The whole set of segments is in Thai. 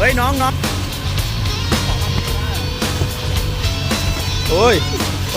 ฮ้ยน้องโอ้ย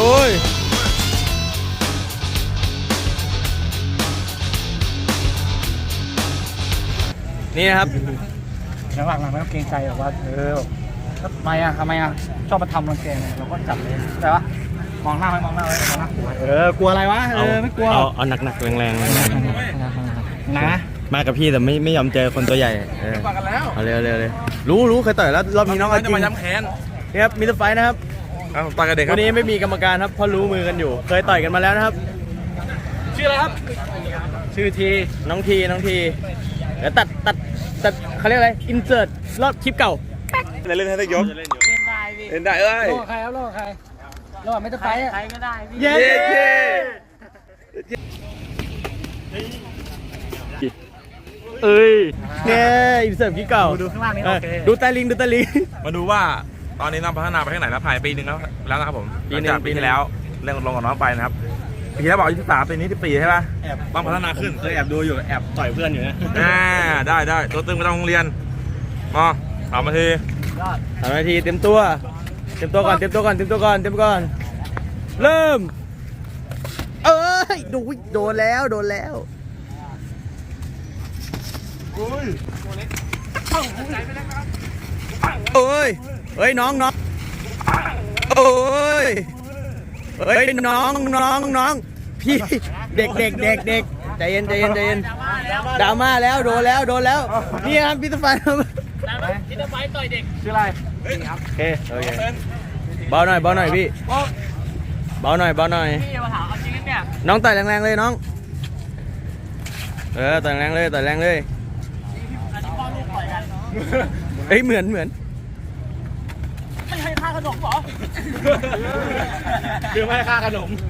นี่นะครับหลังๆไม่ต้องเกรงใจหรอกว่าทำไมชอบมาทำรังแกเนี่ยเราก็จับเลยแต่ว่ามองหน้าไว้กลัวอะไรวะไม่กลัวเอาหนักแรงนะมากับพี่แต่ไม่ยอมเจอคนตัวใหญ่ปากกันแล้วเอาเร็วรู้เคยต่อยแล้วรอบนี้น้องจริงมาย้ำแค้นนี่ครับมิสเตอร์ไฟนะครับต่อยกับเด็กครับวันนี้ไม่มีกรรมการครับเพราะรู้มือกันอยู่เคยต่อยกันมาแล้วนะครับชื่ออะไรครับชื่อทีน้องทีเดี๋ยวตัดเขาเรียกอะไรอินเสิร์ตรอบคลิปเก่าเล่นให้ได้ยกเล่นได้โลกใครครับโลกใครโลกไม่ต้องไปใครก็ได้เย้เนี่ยอินเสิร์ตคลิปเก่าดูข้างล่างนี้โอเคดูตาลิงมาดูว่าตอนนี้น้องพัฒนาไปที่ไหนแล้วผ่านปีหนึ่งแล้วนะครับผมหลังจากปีที่แล้วเล่นลงกับน้องไปนะครับปีที่แล้วบอก23ปีนี้14ใช่ป่ะต้องพัฒนาขึ้นเคยแอบดูอยู่แอบต่อยเพื่อนอยู่นะได้ตัวตึงไปต้องโรงเรียนมาเอามาที 3 นาทีเต็มตัวก่อนเริ่มโดนแล้วเฮ้ยน้องพี่เด็กใจเย็นดราม่าแล้วโดนแล้วนี่ครับพี่ตะไฟต่อยเด็กชื่ออะไรโอเคเบาหน่อยพี่เบาหน่อยพี่มาถามเอาจริงเนี่ยน้องต่อยแรงๆเลยน้องต่อยแรงเลยอันนี้พ่อลูกต่อยกันเหมือนไม่ให้ค่าขนมหรอคือไม่ให้ค่าขนม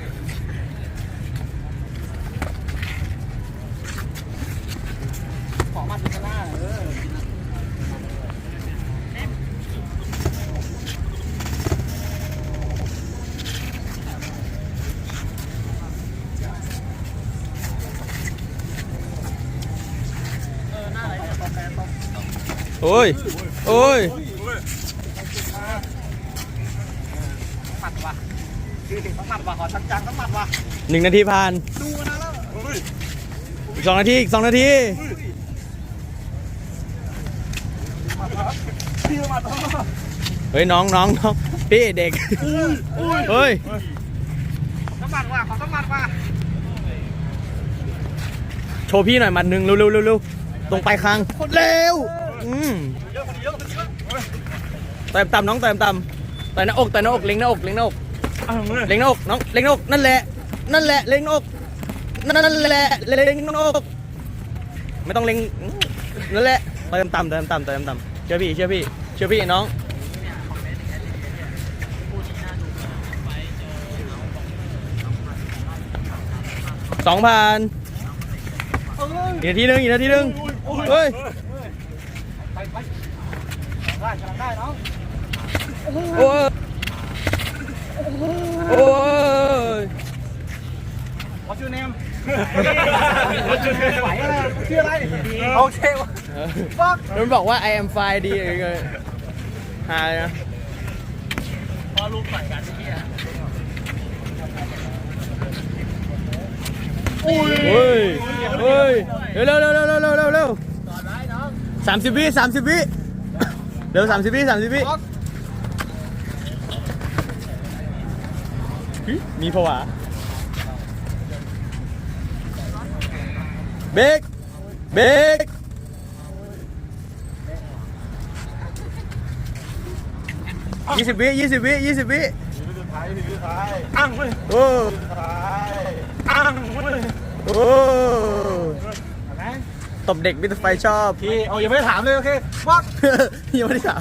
ขอมาดูกันหน้าโอ้ยหมัดว่ะขอจังต้องหมัดว่ะ 1 นาทีผ่านดูนะแล้วอีก2 นาทีเฮ้ยน้องพี่เด็กเฮ้ยต้องหมัดว่ะขอต้องหมัดว่ะโชว์พี่หน่อยมัดหนึ่งเร็วตรงปลายคางเร็วต่ำน้องต่ำต่อยหน้าอกเล็งหน้าอกน้องเล็งหน้าอกนั่นแหละเล็งหน้าอกเล็งหน้าอกไม่ต้องเล็งนั่นแหละต่ำเชื่อพี่น้อง2,000อีกนาทีหนึ่งเฮ้ยได้น้องโอ้ย What's your name ไหวอะไรชื่ออะไรโอเควะมันบอกว่า I am fine ดีเลยหาเลยนะพอลูกต่อยกันที่เฮ้ยเร็ว30 วิเร็ว30 วิมีผวาเบรก20 วิอ้างเว้ยตบเด็กมิสเตอร์ไฟชอบพี่ยังไม่ได้ถามเลยโอเควักยังไม่ได้ถาม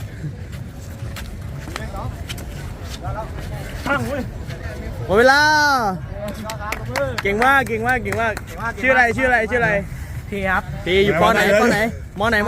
อ้างเว้ยหมดเวลาเก่งมากชื่ออะไรพี่ครับพี่อยู่ปไหนม.2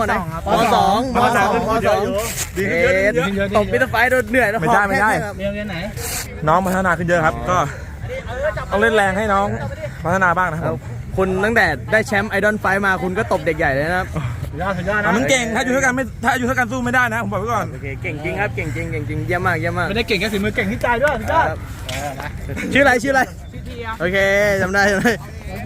ดีขึ้นเยอะตบมิสเตอร์ไฟโดนเหนื่อยแล้วไม่ได้เรียนไหนน้องพัฒนาขึ้นเยอะครับก็ต้องเล่นแรงให้น้องพัฒนาบ้างนะครับคุณตั้งแต่ได้แชมป์ไอดอลไฟมาคุณก็ตบเด็กใหญ่เลยนะครับสุดยอดนะมึงเก่งถ้าอยู่เท่ากันไม่ถ้าอยู่เท่ากันสู้ไม่ได้นะผมบอกไว้ก่อนโอเคเก่งจริงครับเก่งจริงเก่งจริงเยี่ยมมากเยี่ยมมากไม่ได้เก่งแค่ฝีมือเก่งที่ใจด้วยสุดยอดชื่ออะไรชื่ออะไรโอเคจำได้จำได้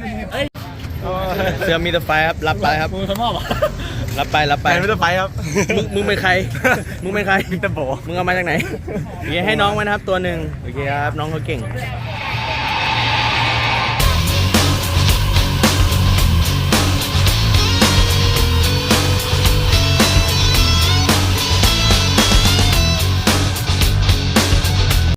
เสือมีแต่ไฟครับรับไปครับมือสมอบรับไปรับไปไปไม่ต้องไปครับมึงเป็นใครมึงเป็นใครมิสเตอร์โบมึงเอามาจากไหนโอเคให้น้องไว้นะครับตัวหนึ่งโอเคครับน้องเขาเก่ง